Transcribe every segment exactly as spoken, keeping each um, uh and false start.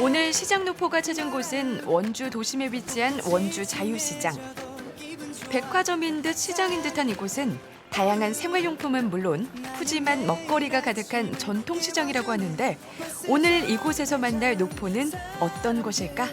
오늘 시장 노포가 찾은 곳은 원주 도심에 위치한 원주 자유시장. 백화점인 듯 시장인 듯한 이곳은 다양한 생활용품은 물론 푸짐한 먹거리가 가득한 전통시장이라고 하는데 오늘 이곳에서 만날 노포는 어떤 곳일까?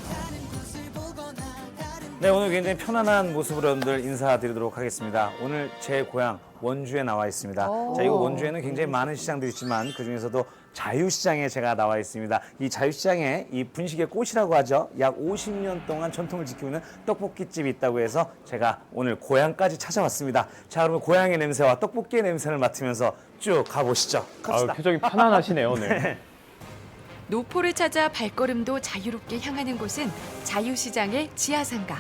네, 오늘 굉장히 편안한 모습으로 여러분들 인사드리도록 하겠습니다. 오늘 제 고향 원주에 나와 있습니다. 자, 이곳 원주에는 굉장히 많은 시장들이 있지만 그중에서도 자유시장에 제가 나와 있습니다. 이 자유시장에 이 분식의 꽃이라고 하죠. 약 오십 년 동안 전통을 지키고 있는 떡볶이집이 있다고 해서 제가 오늘 고향까지 찾아왔습니다. 자, 그러면 고향의 냄새와 떡볶이의 냄새를 맡으면서 쭉 가보시죠. 갑시다. 아유, 표정이 편안하시네요, 오늘. 노포를 찾아 발걸음도 자유롭게 향하는 곳은 자유시장의 지하상가.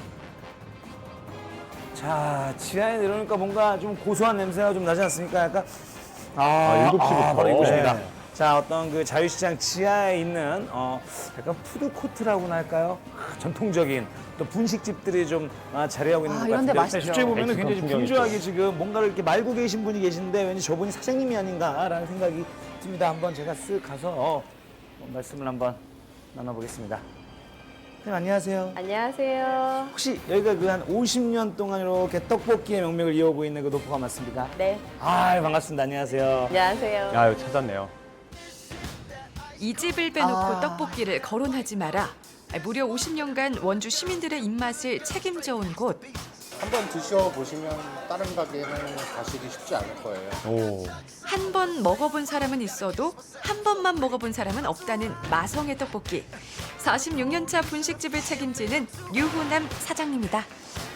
자, 지하에 내려오니까 뭔가 좀 고소한 냄새가 좀 나지 않습니까? 약간 아, 아, 일곱 시부터. 아, 바로 이곳입니다. 네. 자, 어떤 그 자유시장 지하에 있는 어, 약간 푸드코트라고나 할까요? 아, 전통적인 또 분식집들이 좀 아, 자리하고 있는 아, 것 이런 데 같은데 맛있죠. 실제 보면 엑스트라 굉장히 풍경이 분주하게 있죠. 지금 뭔가를 이렇게 말고 계신 분이 계신데 왠지 저분이 사장님이 아닌가라는 생각이 듭니다. 한번 제가 쓱 가서 어, 말씀을 한번 나눠보겠습니다. 선생님 안녕하세요. 안녕하세요. 혹시 여기가 그 한 오십 년 동안 이렇게 떡볶이의 명맥을 이어오고 있는 그 노포가 맞습니까? 네, 아, 반갑습니다. 안녕하세요. 안녕하세요. 아유, 찾았네요. 이 집을 빼놓고 아. 떡볶이를 거론하지 마라. 무려 오십 년간 원주 시민들의 입맛을 책임져 온 곳. 한번 드셔보시면 다른 가게는 가시기 쉽지 않을 거예요. 오. 한 번 먹어본 사람은 있어도 한 번만 먹어본 사람은 없다는 마성의 떡볶이. 사십육 년 차 분식집을 책임지는 유후남 사장님이다.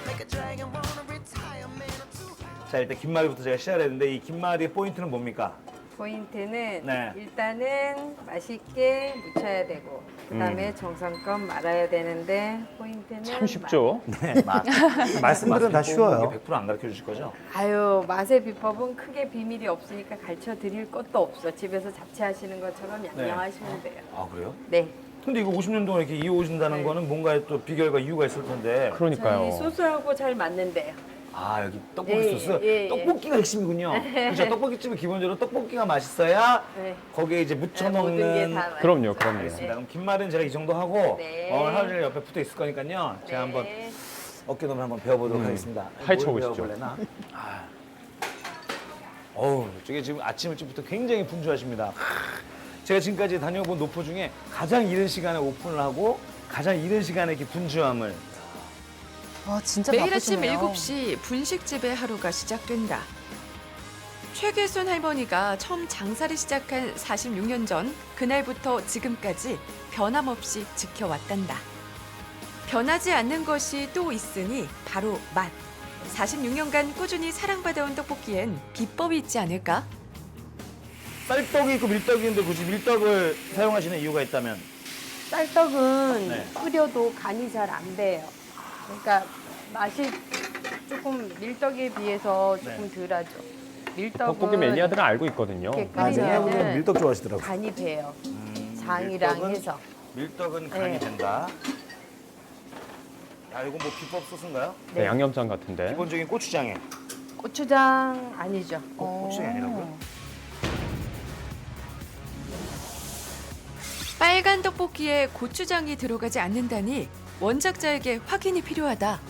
자, 일단 김말이부터 제가 시작을 했는데 이 김말이의 포인트는 뭡니까? 포인트는 네. 일단은 맛있게 무쳐야 되고 그다음에 정성껏 말아야 되는데 포인트는 참 쉽죠? 네, 맛. 말씀들은 다 쉬워요. 백 퍼센트 안 가르쳐 주실 거죠? 맛. 아유, 맛의 비법은 크게 비밀이 없으니까 가르쳐 드릴 것도 없어. 집에서 잡채하시는 것처럼 양념하시면 돼요. 아, 그래요? 네. 근데 이거 오십 년 동안 이렇게 이어오신다는 네. 거는 뭔가 또 비결과 이유가 있을 텐데. 그러니까요. 저희 소스하고 잘 맞는데요. 아, 여기 떡볶이 예, 소스? 예, 예. 떡볶이가 핵심이군요. 그렇죠. 떡볶이집은 기본적으로 떡볶이가 맛있어야 네. 거기에 이제 묻혀 모든 게 먹는. 다 맛있어요. 그럼요, 그럼요. 알겠습니다. 그럼 김말은 제가 이 정도 하고 네. 어, 하루 종일 옆에 붙어 있을 거니까요. 제가 한번 네. 어깨너머 한번 배워보도록 음, 하겠습니다. 파헤쳐 뭘 보시죠. 배워볼래나? 아. 어우, 저게 지금 아침 일찍부터 굉장히 분주하십니다. 제가 지금까지 다녀본 노포 중에 가장 이른 시간에 오픈을 하고 가장 이른 시간에 이렇게 분주함을. 와, 진짜 매일 아침 바쁘시네요. 일곱 시 분식집의 하루가 시작된다. 최계순 할머니가 처음 장사를 시작한 사십육 년 전 그날부터 지금까지 변함없이 지켜왔단다. 변하지 않는 것이 또 있으니 바로 맛. 사십육 년간 꾸준히 사랑받아온 떡볶이엔 비법이 있지 않을까? 쌀떡이 있고 밀떡이 있는데 굳이 밀떡을 사용하시는 이유가 있다면? 쌀떡은 네. 끓여도 간이 잘 안 배요. 그러니까 맛이 조금 밀떡에 비해서 조금 네. 덜하죠. 밀떡은 떡볶이 매니아들은 알고 있거든요. 이렇게 아, 매니아분들은 끓이면은 밀떡 좋아하시더라고요. 간이 배요. 음, 장이랑 밀떡은- 해서. 밀떡은 간이 네. 된다. 야, 이건 뭐 비법 소스인가요? 네, 양념장 같은데. 기본적인 고추장에. 고추장 아니죠. 어, 고추장이 아니라고요? 빨간 떡볶이에 고추장이 들어가지 않는다니 원작자에게 확인이 필요하다.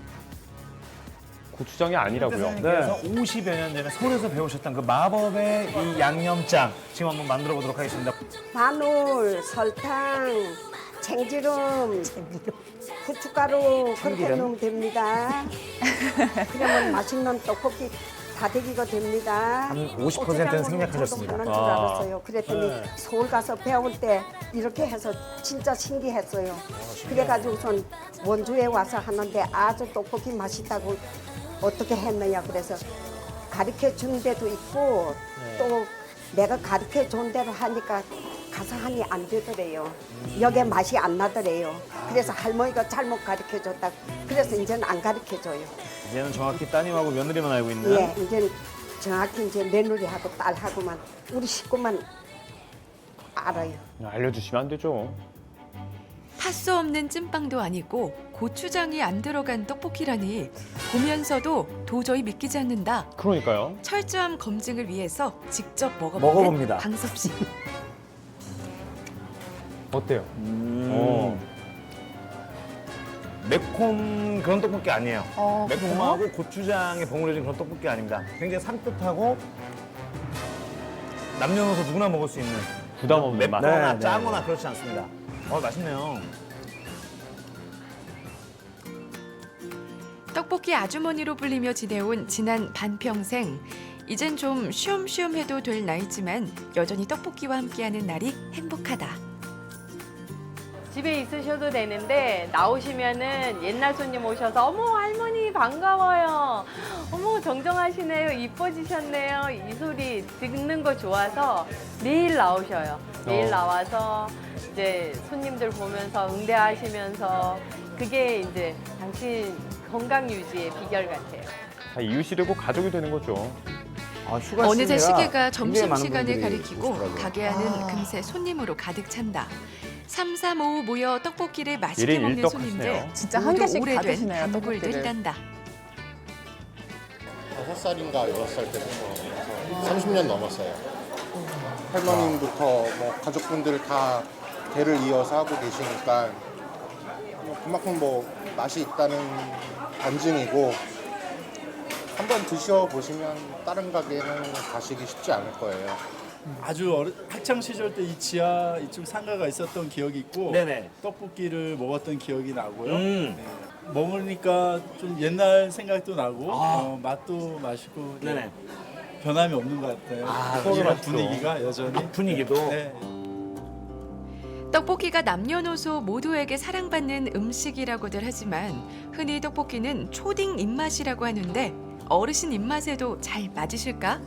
고추장이 아니라고요. 선생님께서 오십여 년 전에 서울에서 배우셨던 그 마법의 이 양념장 지금 한번 만들어 보도록 하겠습니다. 마늘, 설탕, 참기름, 후춧가루 그렇게 넣으면 됩니다. 그러면 맛있는 떡볶이 다대기가 됩니다. 한 오십 퍼센트는 생략하셨습니다. 저도 하는 줄 아. 알았어요. 그랬더니 서울 가서 배울 때 이렇게 해서 진짜 신기했어요. 그래가지고선 원주에 와서 하는데 아주 떡볶이 맛있다고 어떻게 했느냐 그래서 가르쳐 준 데도 있고 또 내가 가르쳐 준 대로 하니까 가서 하니 안 되더래요. 여기에 맛이 안 나더래요. 그래서 할머니가 잘못 가르쳐 줬다. 그래서 이제는 안 가르쳐 줘요. 이제는 정확히 따님하고 며느리만 알고 있는. 예, 이제 정확히 이제 며느리하고 딸하고만 우리 식구만 알아요. 알려주시면 안 되죠. 팥수 없는 찐빵도 아니고 고추장이 안 들어간 떡볶이라니 보면서도 도저히 믿기지 않는다. 그러니까요. 철저한 검증을 위해서 직접 먹어보는 먹어봅니다. 강섭 씨. 어때요? 음. 어. 매콤 그런 떡볶이 아니에요. 어, 매콤하고 고추장에 버무려진 그런 떡볶이 아닙니다. 굉장히 산뜻하고 남녀노소 누구나 먹을 수 있는 부담 없는 맛. 맵거나 네, 네. 짜거나 그렇지 않습니다. 어, 맛있네요. 떡볶이 아주머니로 불리며 지내온 지난 반평생. 이젠 좀 쉬엄쉬엄 해도 될 나이지만 여전히 떡볶이와 함께하는 날이 행복하다. 집에 있으셔도 되는데 나오시면은 옛날 손님 오셔서 어머 할머니 반가워요. 어머 정정하시네요. 이뻐지셨네요. 이 소리 듣는 거 좋아서 매일 나오셔요. 매일 어. 나와서 이제 손님들 보면서 응대하시면서 그게 이제 당신 건강 유지의 비결 같아요. 다 이웃이되고 가족이 되는 거죠. 아, 휴가 어느새 시기라 시계가 굉장히 많은 점심시간을 분들이 가리키고 오시더라고요. 가게 안은 아. 금세 손님으로 가득 찬다. 삼삼오오 모여 떡볶이를 맛있게 일인 먹는 일떡 손님들. 하시네요. 진짜 한 모두 개씩 다 오래된 드시네요, 단골들 떡볶이를. 딴다. 다섯 살인가 여섯 살 때부터 삼십 년 넘었어요. 할머님부터 뭐 가족분들 다 대를 이어서 하고 계시니까 뭐 그만큼 뭐 맛이 있다는 반증이고 한번 드셔보시면 다른 가게는 가시기 쉽지 않을 거예요. 아주 어려, 학창 시절 때 이 지하 이쪽 상가가 있었던 기억이 있고 네네. 떡볶이를 먹었던 기억이 나고요. 음. 네. 먹으니까 좀 옛날 생각도 나고 아. 어, 맛도 맛있고 네. 네네. 변함이 없는 것 같아요. 아, 이런 맛있죠. 분위기가 여전히 분위기도. 네. 떡볶이가 남녀노소 모두에게 사랑받는 음식이라고들 하지만 흔히 떡볶이는 초딩 입맛이라고 하는데 어르신 입맛에도 잘 맞으실까?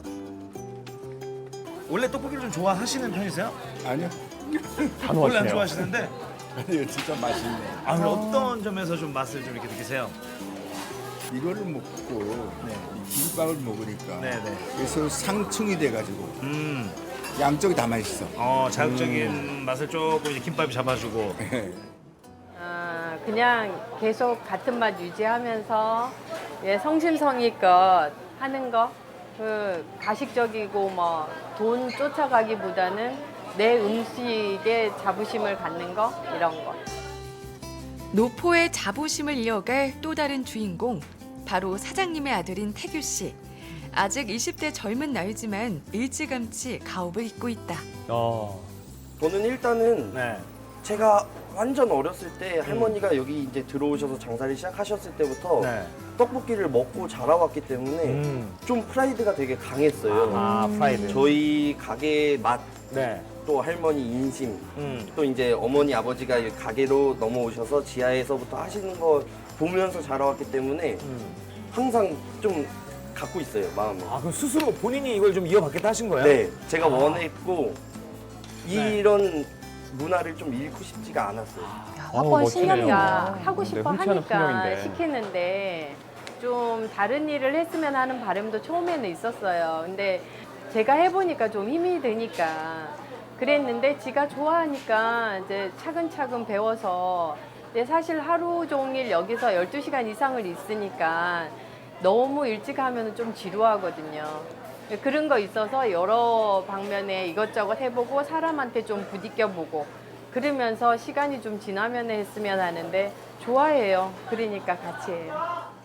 원래 떡볶이를 좀 좋아하시는 편이세요? 아니요. 단호하시네요. 원래 안 좋아하시는데 아니요, 진짜 맛있네요. 아, 그럼 어떤 점에서 좀 맛을 좀 이렇게 느끼세요? 이거를 먹고 이 김밥을 먹으니까 네네. 그래서 상충이 돼가지고 음, 양쪽이 다 맛있어. 어, 자극적인 맛을 조금 이제 김밥이 잡아주고. 아, 그냥 계속 같은 맛 유지하면서 예, 성심성의껏 하는 거, 그 가식적이고 뭐 돈 쫓아가기보다는 내 음식에 자부심을 갖는 거 이런 거. 노포의 자부심을 이어갈 또 다른 주인공, 바로 사장님의 아들인 태규 씨. 아직 이십 대 젊은 나이지만 일찌감치 가업을 잇고 있다. 어. 저는 일단은 네. 제가 완전 어렸을 때 할머니가 여기 이제 들어오셔서 장사를 시작하셨을 때부터 네. 떡볶이를 먹고 자라왔기 때문에 음. 좀 프라이드가 되게 강했어요. 아, 프라이드. 저희 가게의 맛, 네. 또 할머니 인심, 음. 또 이제 어머니 아버지가 이 가게로 넘어오셔서 지하에서부터 하시는 거 보면서 자라왔기 때문에 음. 항상 좀 갖고 있어요, 마음에. 아, 그럼 스스로 본인이 이걸 좀 이어받겠다 하신 거예요? 네, 제가 아. 원했고 네. 이런 문화를 좀 잃고 싶지가 않았어요. 야, 어, 확고한 멋지네요. 신념이야. 야, 하고 네, 싶어 흔치 않은 하니까 풍경인데. 시키는데 좀 다른 일을 했으면 하는 바람도 처음에는 있었어요. 근데 제가 해보니까 좀 힘이 드니까 그랬는데 지가 좋아하니까 이제 차근차근 배워서 근데 사실 하루 종일 여기서 열두 시간 이상을 있으니까 너무 일찍 하면 좀 지루하거든요. 그런 거 있어서 여러 방면에 이것저것 해보고 사람한테 좀 부딪혀보고 그러면서 시간이 좀 지나면 했으면 하는데 좋아해요. 그러니까 같이 해요.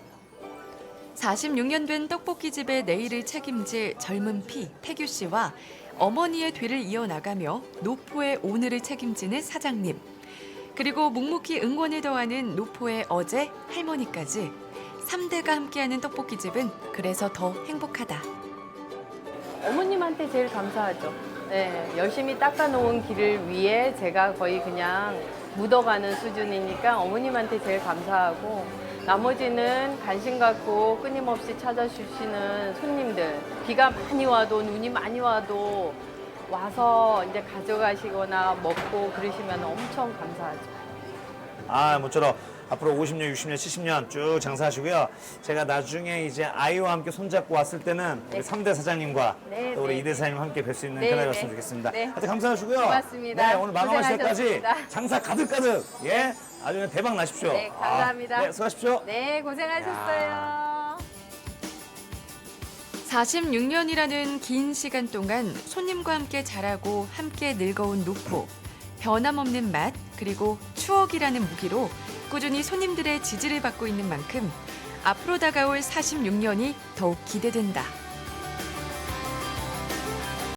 사십육 년 된 떡볶이집의 내일을 책임질 젊은 피 태규 씨와 어머니의 뒤를 이어나가며 노포의 오늘을 책임지는 사장님. 그리고 묵묵히 응원을 더하는 노포의 어제 할머니까지 삼 대가 함께하는 떡볶이집은 그래서 더 행복하다. 어머님한테 제일 감사하죠. 네, 열심히 닦아놓은 길을 위해 제가 거의 그냥 묻어가는 수준이니까 어머님한테 제일 감사하고 나머지는 관심 갖고 끊임없이 찾아주시는 손님들. 비가 많이 와도 눈이 많이 와도 와서 이제 가져가시거나 먹고 그러시면 엄청 감사하죠. 아, 모쪼록 앞으로 오십 년, 육십 년, 칠십 년 쭉 장사하시고요. 제가 나중에 이제 아이와 함께 손잡고 왔을 때는 우리 삼 대 사장님과 네, 또 우리 네, 이 대 사장님 함께 뵐 수 있는 네, 그날이었으면 네. 좋겠습니다. 네. 하여튼 감사하시고요. 고맙습니다. 네, 오늘 마감할 때까지 고생하셨습니다. 장사 가득가득, 예, 아주 그냥 대박 나십시오. 네, 감사합니다. 아, 네, 수고하십시오. 네, 고생하셨어요. 사십육 년이라는 긴 시간 동안 손님과 함께 자라고 함께 늙어온 노포. 변함없는 맛 그리고 추억이라는 무기로 꾸준히 손님들의 지지를 받고 있는 만큼 앞으로 다가올 사십육 년이 더욱 기대된다.